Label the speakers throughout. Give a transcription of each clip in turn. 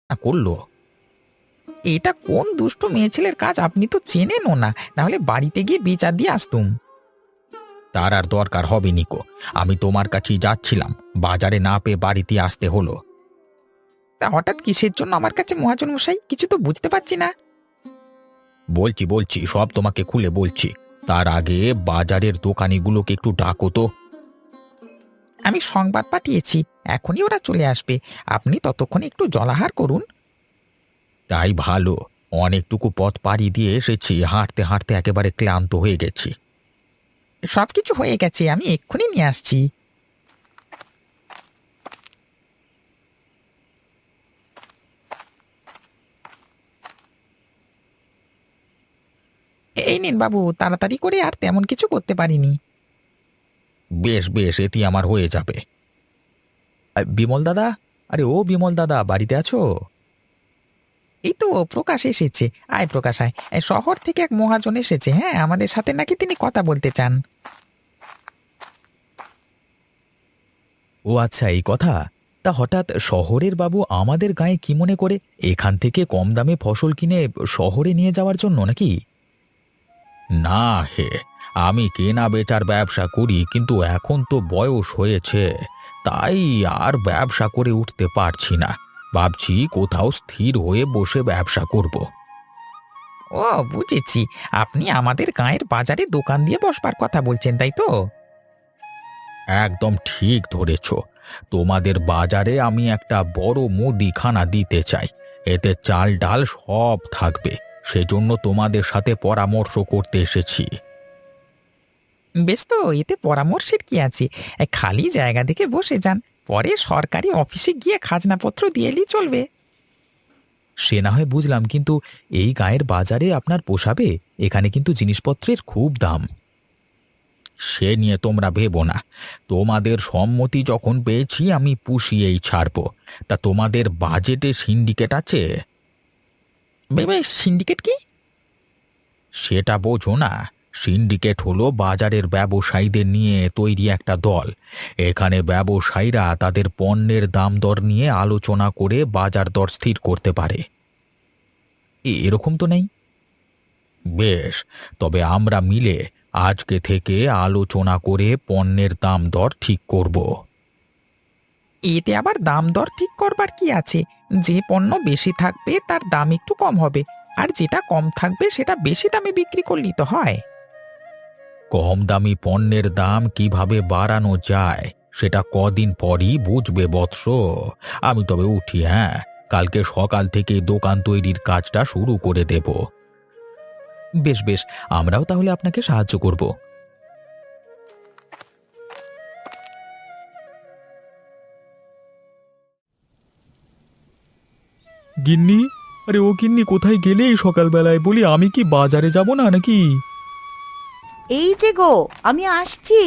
Speaker 1: করলো। এটা কোন দুষ্ট মেয়ে ছেলের কাজ, আপনি তো চেনেনও না, নাহলে বাড়িতে গিয়ে বিচার দিয়ে আসতুম। তার আর দরকার হবে নিকো, আমি তোমার কাছেই যাচ্ছিলাম, বাজারে না পেয়ে বাড়িতে আসতে হলো। তা হঠাৎ কিসের জন্য আমার কাছে মহাজন মশাই, কিছু তো বুঝতে পারছি না। বলছি বলছি, সব তোমাকে খুলে বলছি। তার আগে বাজারের দোকানিগুলোকে একটু ডাকো তো। আমি সংবাদ পাঠিয়েছি, এখনই ওরা চলে আসবে। আপনি ততক্ষণে একটু জলাহার করুন। তাই ভালো, অনেকটুকু পথ পাড়ি দিয়ে এসেছি, হাঁটতে হাঁটতে একেবারে ক্লান্ত হয়ে গেছি। সবকিছু হয়ে গেছে, আমি এক্ষুনি নিয়ে আসছি। এই নিন বাবু, তাড়াতাড়ি করে, আর তেমন কিছু করতে পারিনি। বেশ বেশ, এটি আমার হয়ে যাবে। বিমল দাদা, আরে ও বিমল দাদা, বাড়িতে আছো? এই তো প্রকাশ এসেছে। আয় প্রকাশ আয়, এই শহর থেকে এক মহাজন এসেছে, হ্যাঁ, আমাদের সাথে নাকি তিনি কথা বলতে চান। ও আচ্ছা, এই কথা। তা হঠাৎ শহরের বাবু আমাদের গায়ে কি মনে করে, এখান থেকে কম দামে ফসল কিনে শহরে নিয়ে যাওয়ার জন্য নাকি? না হে, আমি কেনা বেচার ব্যবসা করি, কিন্তু এখন তো বয়স হয়েছে, তাই আর ব্যবসা করে উঠতে পারছি না। ভাবছি কোথাও স্থির হয়ে বসে ব্যবসা করব। ও, বুঝেছি, আপনি আমাদের গাঁয়ের বাজারে দোকান দিয়ে বসবার কথা বলছেন, তাই তো? একদম ঠিক ধরেছ। তোমাদের বাজারে আমি একটা বড় মুদিখানা দিতে চাই, এতে চাল ডাল সব থাকবে। সেজন্য তোমাদের সাথে পরামর্শ করতে এসেছি। বেশ, তো এতে পরামর্শের কি আছে? খালি জায়গা দেখে বসে যান, পরে সরকারি অফিসে গিয়ে খাজনাপত্র দিয়ে এলেই চলবে। সে না হয় বুঝলাম, কিন্তু এই গায়ের বাজারে আপনার পোষাবে? এখানে কিন্তু জিনিসপত্রের খুব দাম। সে নিয়ে তোমরা ভেবো না, তোমাদের সম্মতি যখন পেয়েছি আমি পুষিয়েই ছাড়বো। তা তোমাদের বাজেটে সিন্ডিকেট আছে? বেবে, সিন্ডিকেট কি? সেটা বোঝো না? সিন্ডিকেট হলো বাজারের ব্যবসায়ীদের নিয়ে তৈরি একটা দল। এখানে ব্যবসায়ীরা তাদের পণ্যের দাম দর নিয়ে আলোচনা করে বাজার দর স্থির করতে পারে। এরকম তো নেই। বেশ, তবে আমরা মিলে আজকে থেকে আলোচনা করে পণ্যের দাম দর ঠিক করব। এতে আবার দাম দর ঠিক করবার কি আছে? যে পণ্য বেশি থাকবে তার দাম একটু কম হবে, আর যেটা কম থাকবে সেটা বেশি দামে বিক্রি করলেই তো হয়। কম দামি পণ্যের দাম কিভাবে বাড়ানো যায় সেটা কদিন পরই বুঝবে বৎস। আমি তবে উঠি, হ্যাঁ, কালকে সকাল থেকে দোকান তৈরির কাজটা শুরু করে দেব। বেশ বেশ, আমরাও তাহলে আপনাকে সাহায্য করব।
Speaker 2: গিন্নি, আরে ও গিন্নি, কোথায় গেলে এই সকালবেলায়? বলি, আমি কি বাজারে যাব না নাকি?
Speaker 3: এই যে গো, আমি আসছি।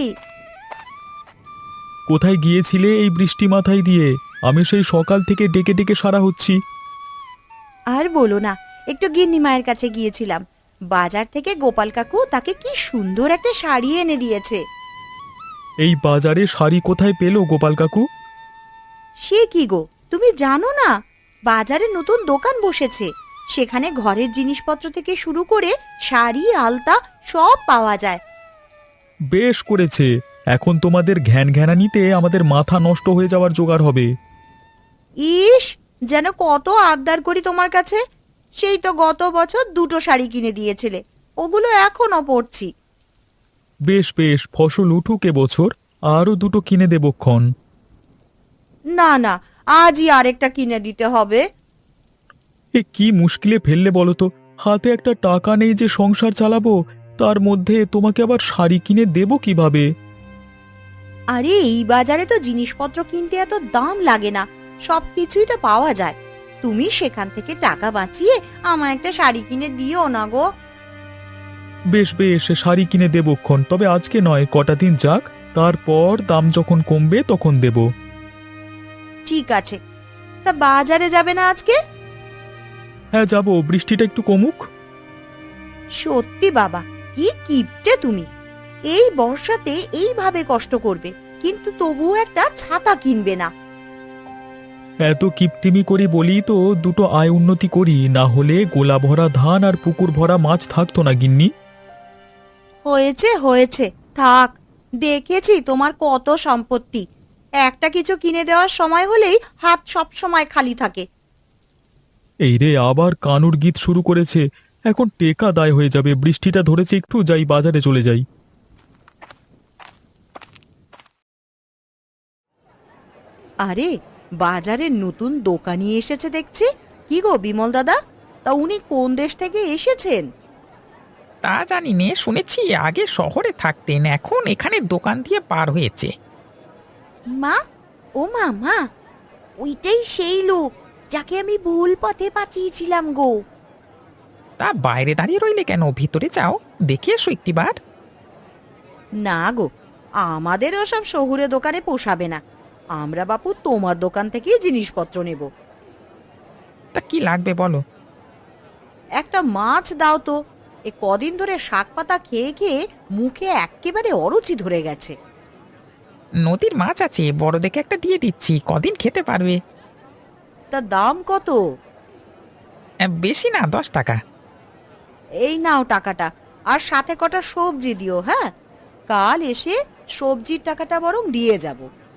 Speaker 2: কোথায় গিয়েছিলে এই বৃষ্টি মাথায় দিয়ে? আমি সেই সকাল থেকে ডেকে ডেকে সারা হচ্ছি।
Speaker 3: আর বলো না, একটু গিন্নি মায়ের কাছে গিয়েছিলাম। বাজার থেকে গোপাল কাকু তাকে কি সুন্দর একটা শাড়ি এনে দিয়েছে।
Speaker 2: এই বাজারে শাড়ি কোথায় পেলো গোপাল কাকু?
Speaker 3: সে কি গো, তুমি জানো না? বাজারে নতুন দোকান বসেছে, সেখানে ঘরের জিনিসপত্র থেকে শুরু করে শাড়ি আলতা সব পাওয়া যায়।
Speaker 2: বেশ করেছে। এখন তোমাদের ঘ্যান ঘ্যানানিতে আমাদের মাথা নষ্ট হয়ে যাওয়ার জোগাড় হবে।
Speaker 3: ইস, যেন কত আবদার করি তোমার কাছে। সেই তো গত বছর দুটো শাড়ি কিনে দিয়েছিলে, ওগুলো এখনো পরছি।
Speaker 2: বেশ বেশ, ফসল উঠুক এবছর, আরও দুটো কিনে দেবক্ষণ।
Speaker 3: না না, আজই আরেকটা কিনে দিতে হবে।
Speaker 2: এ কি মুশকিলে ফেললে বলো তো? হাতে একটা টাকা নেই যে সংসার চালাবো, তার মধ্যে তোমাকে আবার শাড়ি কিনে দেবো কিভাবে?
Speaker 3: আরে এই বাজারে তো জিনিসপত্র কিনতে এত দাম লাগে না, সবকিছুই তো পাওয়া যায়। তুমি সেখান থেকে টাকা বাঁচিয়ে আমায় একটা শাড়ি কিনে দিও না গো।
Speaker 2: বেশ বেশ, শাড়ি কিনে দেবক্ষণ, তবে আজকে নয়, কটা দিন যাক, তারপর দাম যখন কমবে তখন দেব।
Speaker 3: ঠিক আছে, তা বাজারে যাবে না আজকে?
Speaker 2: হ্যাঁ যাব, বৃষ্টিটা একটু কমুক।
Speaker 3: সত্যি বাবা, কি কিপটে তুমি! এই বর্ষাতে এইভাবে কষ্ট করবে, কিন্তু তবুও একটা ছাতা কিনবে না।
Speaker 2: এত কিপটিমি করি বলি তো দুটো আয় উন্নতি করি, না হলে গোলা ভরা ধান আর পুকুর ভরা মাছ থাকতো না গিন্নি।
Speaker 3: হয়েছে হয়েছে, থাক। দেখেছি তোমার কত সম্পত্তি, একটা কিছু কিনে দেওয়ার সময় হলেই হাত সব সময় খালি থাকে।
Speaker 2: এই রে, আবার কানুর গীত শুরু করেছে। এখন টেকা দায় হয়ে যাবে, বৃষ্টিটা ধরেছে, একটু যাই, বাজারে চলে যাই।
Speaker 3: আরে, বাজারে নতুন দোকানি এসেছে দেখছি। কি গো বিমল দাদা, তা উনি কোন দেশ থেকে এসেছেন?
Speaker 4: তা জানি নে, শুনেছি আগে শহরে থাকতেন, এখন এখানে দোকান দিয়ে পার হয়েছে।
Speaker 3: মা, ও মা, মা, ওইটাই সেই লোক যাকে আমি ভুল পথে পাঠিয়েছিলাম গো।
Speaker 4: তা বাইরে দাঁড়িয়ে রইলে কেন, ভিতরে যাও, দেখে এসো একটিবার।
Speaker 3: না গো, আমাদের ওসব শহুরে দোকানে পোষাবে না। আমরা বাপু তোমার দোকান থেকেই জিনিসপত্র নেব।
Speaker 4: তা কি লাগবে বলো।
Speaker 3: একটা মাছ দাও তো, এ কদিন ধরে শাক পাতা খেয়ে খেয়ে মুখে এক্কেবারে অরুচি ধরে গেছে।
Speaker 4: নদীর মাছ আছে, বড় দেখে একটা দিয়ে দিচ্ছি, কদিন খেতে পারবে।
Speaker 3: তা দাম কত?
Speaker 4: বেশি না, 10 টাকা।
Speaker 3: এই নাও টাকাটা, আর সাথে কটা সবজি দিও। হ্যাঁ, কাল এসে সবজির টাকাটা বরং দিয়ে যাব।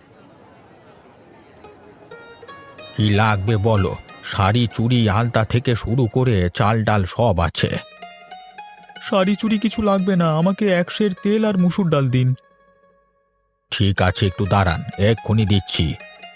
Speaker 1: কি লাগবে বলো? শাড়ি চুড়ি আলতা থেকে শুরু করে চাল ডাল সব আছে।
Speaker 2: শাড়ি চুড়ি কিছু লাগবে না, আমাকে 1 সের তেল আর মুসুর ডাল দিন।
Speaker 1: ঠিক আছে, একটু দাঁড়ান, এক্ষুনি দিচ্ছি।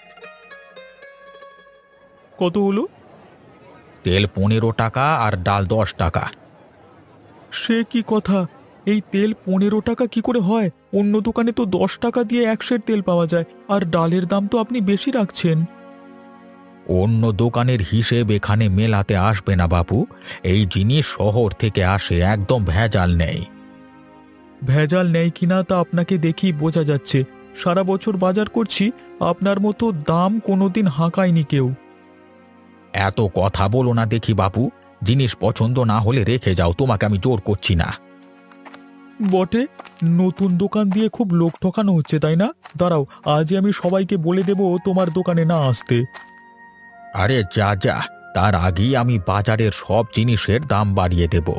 Speaker 2: কত হলো?
Speaker 1: তেল 15 টাকা আর ডাল 10 টাকা।
Speaker 2: সে কি কথা, এই তেল 15 টাকা কি করে হয়? অন্য দোকানে তো 10 টাকা দিয়ে 1 সের তেল পাওয়া যায়, আর ডালের দাম তো আপনি বেশি রাখছেন।
Speaker 1: অন্য দোকানের হিসেব এখানে মেলাতে আসবে না বাপু। এই জিনিস শহর থেকে আসে, একদম ভেজাল নেই।
Speaker 2: ভেজাল নেই কিনা তা আপনাকে দেখি বোঝা যাচ্ছে। সারা বছর বাজার করছি, আপনার মতো দাম কোনোদিন হাঁকায়নি কেউ।
Speaker 1: এত কথা বলো না দেখি বাপু। জিনিস পছন্দ না হলে রেখে যাও, তোমাকে আমি জোর করছি না।
Speaker 2: বটে, নতুন দোকান দিয়ে খুব লোক ঠকানো হচ্ছে, তাই না? দাঁড়াও, আজই আমি সবাইকে বলে দেব তোমার দোকানে না আসতে।
Speaker 1: আরে যা যা, তার আগেই আমি বাজারের সব জিনিসের দাম বাড়িয়ে দেব।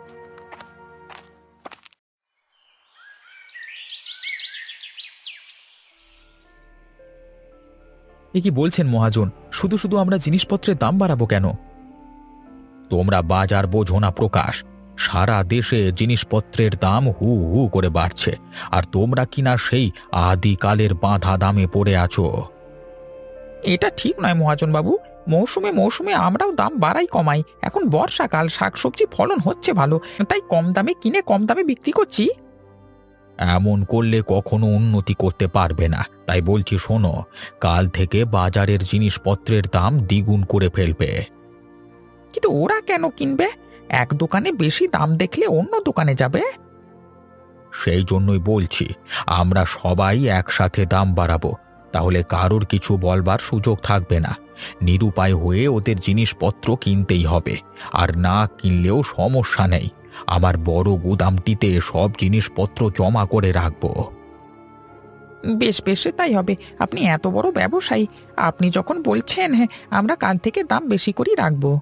Speaker 2: এ কি বলছেন মহাজন? শুধু শুধু আমরা জিনিসপত্রের দাম বাড়াবো কেন?
Speaker 1: তোমরা বাজার বোঝো না প্রকাশ। সারা দেশে জিনিসপত্রের দাম হু হু করে বাড়ছে, আর তোমরা কিনা সেই আদিকালের বাঁধা দামে পড়ে আছো।
Speaker 4: এটা ঠিক নয় মহাজন বাবু, মৌসুমে মৌসুমে আমরাও দাম বাড়াই কমাই। এখন বর্ষাকাল, শাকসবজি ফলন হচ্ছে ভালো, তাই কম দামে কিনে কম দামে বিক্রি করছি।
Speaker 1: এমন করলে কখনো উন্নতি করতে পারবে না। তাই বলছি শোনো, কাল থেকে বাজারের জিনিসপত্রের দাম দ্বিগুণ করে ফেলবে।
Speaker 4: কিন্তু ওরা কেন কিনবে? এক দোকানে বেশি দাম দেখলে অন্য দোকানে যাবে।
Speaker 1: সেই জন্যই বলছি, আমরা সবাই একসাথে দাম বাড়াবো, তাহলে কারোর কিছু বলবার সুযোগ থাকবে না। নিরুপায় হয়ে ওদের জিনিসপত্র কিনতেই হবে, আর না কিনলেও সমস্যা নেই। আমার বড় গুদামটিতে সব জিনিসপত্র জমা করে রাখবো।
Speaker 4: বেশ বেশ, তাই হবে। আপনি এত বড় ব্যবসায়ী, আপনি যখন বলছেন, হ্যাঁ, আমরা কাল থেকে দাম বেশি করেই রাখবো।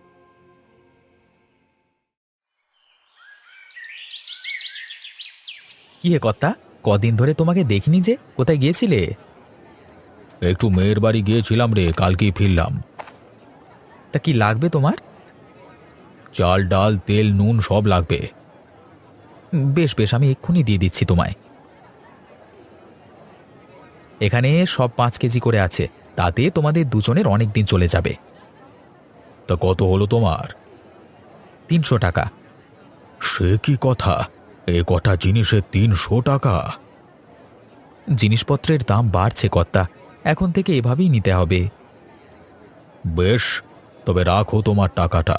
Speaker 2: কি হে কর্তা, কদিন ধরে তোমাকে দেখিনি যে, কোথায় গিয়েছিলে?
Speaker 1: একটু মেয়ের বাড়ি গিয়েছিলাম রে, কালকেই ফিরলাম।
Speaker 2: তা কি লাগবে তোমার?
Speaker 1: চাল ডাল তেল নুন সব লাগবে।
Speaker 2: বেশ বেশ, আমি এক্ষুনি দিয়ে দিচ্ছি তোমায়। এখানে সব 5 কেজি করে আছে, তাতে তোমাদের দুজনের অনেক দিন চলে যাবে।
Speaker 1: তা কত হলো তোমার?
Speaker 2: 300 টাকা।
Speaker 1: সে কি কথা, এ কটা জিনিসে 300 টাকা?
Speaker 2: জিনিসপত্রের দাম বাড়ছে কর্তা, এখন থেকে এভাবেই নিতে হবে।
Speaker 1: বেশ, তবে রাখো তোমার টাকাটা।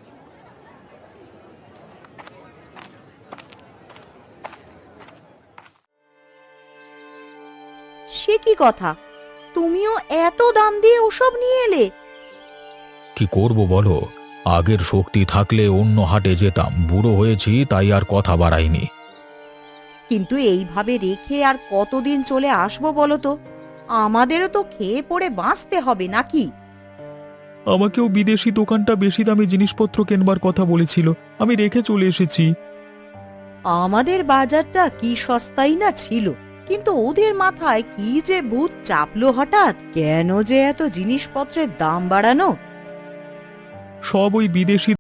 Speaker 3: সে কি কথা, তুমিও এত দাম দিয়ে ওসব নিয়ে এলে?
Speaker 1: কি করব বলো, আগের শক্তি থাকলে অন্য হাটে যেতাম, বুড়ো হয়েছি তাই আর কথা বাড়াইনি।
Speaker 3: কিন্তু এইভাবে রেখে আর কতদিন চলে আসবো বলো তো? আমাদেরও তো খেয়ে পড়ে বাঁচতে হবে নাকি?
Speaker 2: আমাকেও বিদেশি দোকানটা বেশি দামে জিনিসপত্র কেনবার কথা বলেছিল, আমি রেখে চলে এসেছি।
Speaker 3: আমাদের বাজারটা কি সস্তাই না ছিল, কিন্তু ওদের মাথায় কি যে ভূত চাপলো হঠাৎ, কেন যে এত জিনিসপত্রের দাম বাড়ানো।
Speaker 2: সব ওই বিদেশি